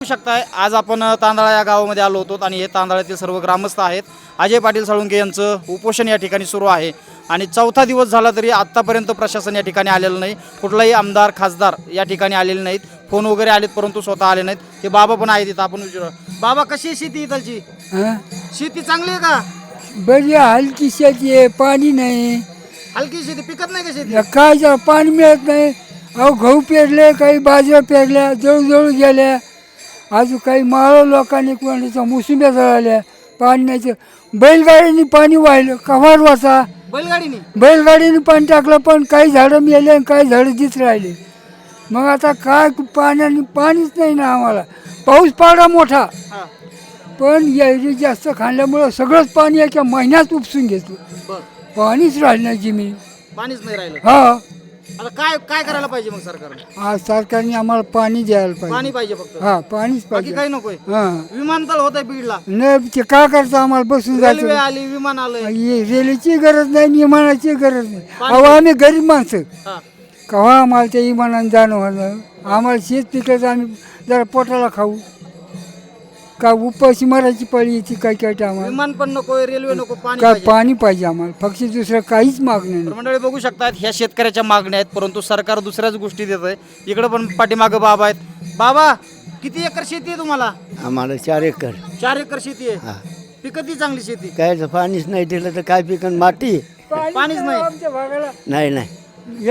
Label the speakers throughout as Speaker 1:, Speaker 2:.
Speaker 1: शकताय आज आपण तांदळा या गावामध्ये आलो होतो आणि हे तांदळातील सर्व ग्रामस्थ आहेत. अजय पाटील साळुंके यांचं उपोषण या ठिकाणी सुरू आहे आणि चौथा दिवस झाला तरी आत्तापर्यंत प्रशासन या ठिकाणी आलेलं नाही. कुठलाही आमदार खासदार या ठिकाणी आलेले नाहीत. फोन वगैरे आलेत परंतु स्वतः आले नाहीत. हे बाबा पण आहेत इथं, आपण विचारू. बाबा कशी आहे शेती इथलची? शेती चांगली आहे का?
Speaker 2: बरी हलकी शेती आहे, पाणी नाही.
Speaker 1: हलकी शेती पिकत नाही का शेती?
Speaker 2: काय पाणी मिळत नाही. अहो गहू पेरले, काही बाजऱ्या पेरल्या, जळू गेल्या. अजून काही माळ लोकांनी कोणाच्या मोसंब्या जळाल्या, पाणी नाही. बैलगाडीने पाणी वाहिलं, कव्हार वाचा. बैलगाडीने पाणी टाकलं, पण काही झाडं मेले आणि काही झाडं दिस राहिले. मग आता काय पाण्याने पाणीच नाही ना आम्हाला. पाऊस पडला मोठा, पण यायरी जास्त खाल्ल्यामुळं सगळंच पाणी एका महिन्यात उपसून घेतलं. पाणीच राहिलं नाही जमीन,
Speaker 1: पाणीच नाही राहिलं.
Speaker 2: हा.
Speaker 1: आता काय काय करायला पाहिजे मग सरकारने?
Speaker 2: हा, सरकारने आम्हाला पाणी द्यायला
Speaker 1: पाणी
Speaker 2: पाहिजे.
Speaker 1: पाहिजे फक्त.
Speaker 2: हा, पाणीच
Speaker 1: बाकी
Speaker 2: पाहिजे.
Speaker 1: काही नकोय.
Speaker 2: हा,
Speaker 1: विमानतळ होत आहे बीडला,
Speaker 2: नाही ते काय करतं आम्हाला बसून
Speaker 1: रेल्वे
Speaker 2: जायचं.
Speaker 1: आली, विमान आलंय.
Speaker 2: रेल्वेची गरज नाही, विमानाची गरज नाही.
Speaker 1: पाणी-
Speaker 2: अहो आम्ही गरीब माणसं,
Speaker 1: हा.
Speaker 2: केव्हा आम्हाला त्या विमानानं जाणं होणं. आम्हाला शेत पिकायचं, आम्ही जरा पोटाला खाऊ का उपाशी मारायची पळी येते काय काय आम्हाला.
Speaker 1: विमान पण नकोय, रेल्वे नको, पाणी
Speaker 2: काय
Speaker 1: पाहिजे.
Speaker 2: पाणी पाहिजे आम्हाला, फक्त दुसरं काहीच मागणं
Speaker 1: तर
Speaker 2: नाही.
Speaker 1: मंडळी बघू शकतात ह्या शेतकऱ्याच्या मागण्या आहेत, परंतु सरकार दुसऱ्याच गोष्टी देत आहे. इकडे पण पाठीमागं बाबा आहेत. बाबा किती एकर शेती आहे तुम्हाला?
Speaker 3: आम्हाला 4 एकर.
Speaker 1: 4 एकर शेती आहे.
Speaker 3: हा.
Speaker 1: पिकती चांगली शेती?
Speaker 3: काय पाणीच नाही दिलं तर काय पिकन? माती
Speaker 1: पाणीच नाही.
Speaker 2: आमच्या भागाला
Speaker 3: नाही.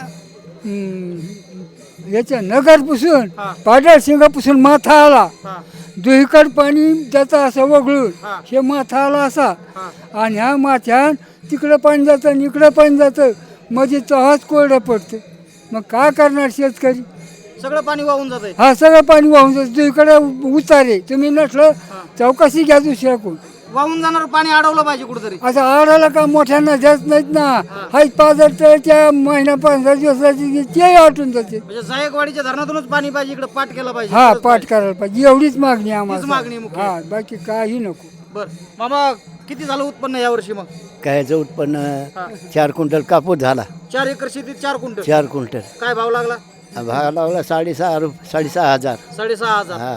Speaker 2: याच्या नगरपासून
Speaker 1: हा.
Speaker 2: पाडळ सिंगापासून माथा आला,
Speaker 1: हा,
Speaker 2: दुहीकड पाणी त्याचा असं वगळून
Speaker 1: हा.
Speaker 2: हे माथा आला असा.
Speaker 1: हा.
Speaker 2: आणि ह्या माथ्यान तिकडं पाणी जातं आणि इकडं पाणी जातं, मध्ये तहाच कोरडं पडतं. मग काय करणार शेतकरी?
Speaker 1: सगळं पाणी वाहून जात आहे.
Speaker 2: हा, सगळं पाणी वाहून जातं. दुहीकडे उतारे, तुम्ही नसलं चौकशी घ्या दुसऱ्या कोण.
Speaker 1: वाहून जाणार पाणी अडवलं पाहिजे कुठेतरी.
Speaker 2: असं आडाला का मोठ्यांना जात नाहीत ना. हाच 5,000 त्या महिना 15 दिवसाची ते आटून जाते.
Speaker 1: म्हणजे जायकवाडीच्या धरणातूनच पाणी पाहिजे, इकडे पाठ केला पाहिजे.
Speaker 2: हा,
Speaker 1: खरंच
Speaker 2: पाठ
Speaker 1: पाहिजे.
Speaker 2: करायला पाहिजे, एवढीच मागणी आहे
Speaker 1: हीच मागणी
Speaker 2: आम्हाला.
Speaker 1: मुख्य.
Speaker 2: हा, बाकी काही नको.
Speaker 1: बर मामा, किती झालं उत्पन्न यावर्षी मग?
Speaker 3: कायचं उत्पन्न
Speaker 1: हा.
Speaker 3: 4 क्विंटल कापूस झाला.
Speaker 1: 4 एकर शेतीत 4 क्विंटल.
Speaker 3: 4 क्विंटल
Speaker 1: काय भाव लागला?
Speaker 3: भाव लावला 6,500.
Speaker 1: 6,500.
Speaker 3: हा.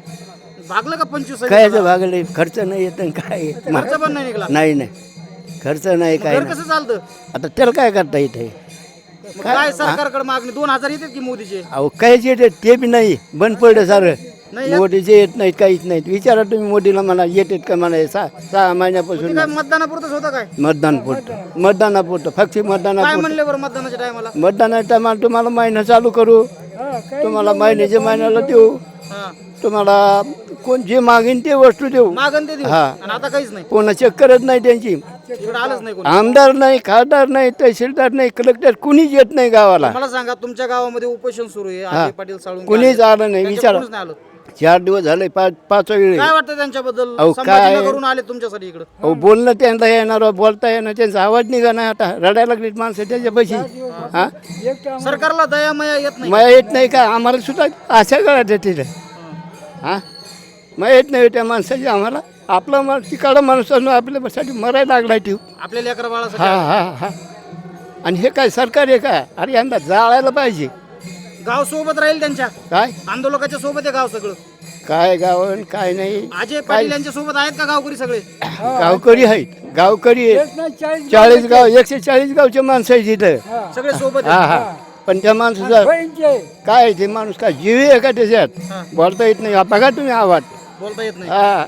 Speaker 1: भागलं का 25?
Speaker 3: कायचं भागले, खर्च नाही येत आणि काय
Speaker 1: खर्च पण नाही निघाला.
Speaker 3: नाही. खर्च नाही, काय
Speaker 1: घर
Speaker 3: नाही.
Speaker 1: कसं चालतं?
Speaker 3: आता त्याला काय करता येते?
Speaker 1: मग काय सरकारकडे मागणी? 2,000 येतात की मोदीचे?
Speaker 3: अहो कायच येते ते बी नाही, बंद पडलं सारं.
Speaker 1: नाही येत?
Speaker 3: मोदीचे येत नाहीत, काहीच नाहीत. विचारा तुम्ही मोदीला, म्हणा येतात का? म्हणा 6 महिन्यापासून
Speaker 1: ते काय मतदानापुरतच होतं काय?
Speaker 3: मतदानापुरतं फक्त
Speaker 1: काय
Speaker 3: मतदानापुरतं.
Speaker 1: म्हणले बरं मतदानाच्या टायमाला?
Speaker 3: मतदानाच्या टायमाला तुम्हाला महिना चालू करू, तुम्हाला महिन्याला देऊ,
Speaker 1: हा,
Speaker 3: तुम्हाला कोण जे मागेन ते वस्तू देऊ.
Speaker 1: मागण ते देऊ.
Speaker 3: हा.
Speaker 1: आणि आता काहीच नाही,
Speaker 3: कोणा चेक करत नाही त्यांची.
Speaker 1: इकडे आलंच नाही कोणी.
Speaker 3: आमदार नाही, खासदार नाही, तहसीलदार नाही, कलेक्टर कुणीच येत नाही गावाला.
Speaker 1: मला सांगा, तुमच्या गावामध्ये उपोषण सुरू आहे,
Speaker 3: हा.
Speaker 1: अजय पाटील साळुंके
Speaker 3: कुणीच
Speaker 1: आले.
Speaker 3: आलं नाही.
Speaker 1: त्यांच्या
Speaker 3: विचारा,
Speaker 1: कोणीच नाही आलं.
Speaker 3: 4 दिवस झाले, 5 वेळ.
Speaker 1: काय वाटतं त्यांच्याबद्दल?
Speaker 3: अहो, काय-
Speaker 1: संभाजीनगरहून आले तुमच्यासाठी इकडं.
Speaker 3: अहो बोलणं त्यांना येणार, बोलता येणार, त्यांचा आवाज निघा नाही. आता रडायला लागलीत माणसं त्याच्यापाशी. हा,
Speaker 1: सरकारला दया मया येत नाही.
Speaker 3: मग येत नाही का? आम्हाला सुद्धा अशा काळात तिथं. हा, मग येत नाही त्या माणसाची आम्हाला. आपला तिकडं माणूस आपल्यासाठी मरायला लागलाय ठेव.
Speaker 1: आपल्या लेकरा
Speaker 3: हा
Speaker 1: बाळासाठी.
Speaker 3: हा. आणि हे काय सरकार आहे का? अरे यंदा जाळायला पाहिजे.
Speaker 1: गाव सोबत राहील त्यांच्या,
Speaker 3: काय
Speaker 1: आंदोलकाच्या सोबत आहे गाव सगळं.
Speaker 3: काय गावन काय नाही.
Speaker 1: अजय पाटील यांच्या सोबत आहेत का गावकरी सगळे?
Speaker 3: गावकरी आहेत, गावकरी आहेत. 40 गाव, 140 गावचे माणसं आहेत तिथं.
Speaker 1: सगळे सोबत
Speaker 3: हा
Speaker 1: आहेत.
Speaker 3: हा. पण त्या माणसाचा काय आहे, ते माणूस काय जीव आहे का त्याच्यात? बोलता येत नाही. बघा तुम्ही आवाज.
Speaker 1: बोलता येत नाही.
Speaker 3: हा,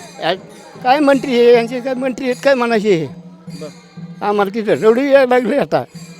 Speaker 3: काय मंत्री आहे यांचे? काय मंत्री आहेत काय म्हणायचे?
Speaker 1: बरं.
Speaker 3: आम्हाला तिथं रडू यायला लागले आता.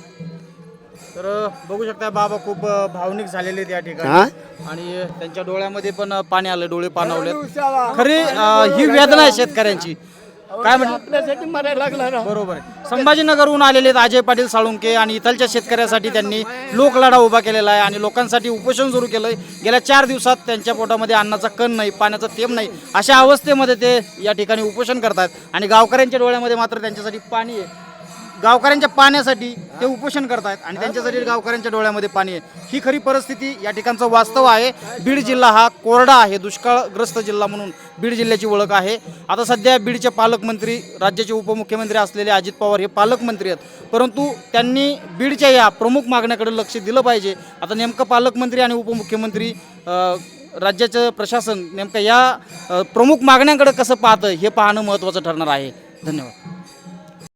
Speaker 1: तर बघू शकता बाबा खूप भावनिक झालेले आहेत या ठिकाणी.
Speaker 3: हा?
Speaker 1: आणि त्यांच्या डोळ्यामध्ये पण पाणी आलं, डोळे पाणावले. खरी ही वेदना आहे शेतकऱ्यांची. काय म्हणलं?
Speaker 3: आपल्यासाठी मरायला लागला राव.
Speaker 1: बरोबर आहे. संभाजीनगरहून आलेले आहेत अजय पाटील साळुंके आणि इथलच्या शेतकऱ्यासाठी त्यांनी लोकलढा उभा केलेला आहे आणि लोकांसाठी उपोषण सुरू केलंय. गेल्या 4 दिवसात त्यांच्या पोटामध्ये अन्नाचा कण नाही, पाण्याचा थेंब नाही, अशा अवस्थेमध्ये ते या ठिकाणी उपोषण करतात. आणि गावकऱ्यांच्या डोळ्यामध्ये मात्र त्यांच्यासाठी पाणी आहे. गावकऱ्यांच्या पाण्यासाठी ते उपोषण करतात आणि त्यांच्यासाठी गावकऱ्यांच्या डोळ्यामध्ये पाणी आहे. ही खरी परिस्थिती या ठिकाणचं वास्तव आहे. बीड जिल्हा हा कोरडा आहे, दुष्काळग्रस्त जिल्हा म्हणून बीड जिल्ह्याची ओळख आहे. आता सध्या बीडचे पालकमंत्री, राज्याचे उपमुख्यमंत्री असलेले अजित पवार हे पालकमंत्री आहेत, परंतु त्यांनी बीडच्या या प्रमुख मागण्याकडे लक्ष दिलं पाहिजे. आता नेमकं पालकमंत्री आणि उपमुख्यमंत्री राज्याचं प्रशासन नेमकं या प्रमुख मागण्यांकडे कसं पाहतं हे पाहणं महत्त्वाचं ठरणार आहे. धन्यवाद.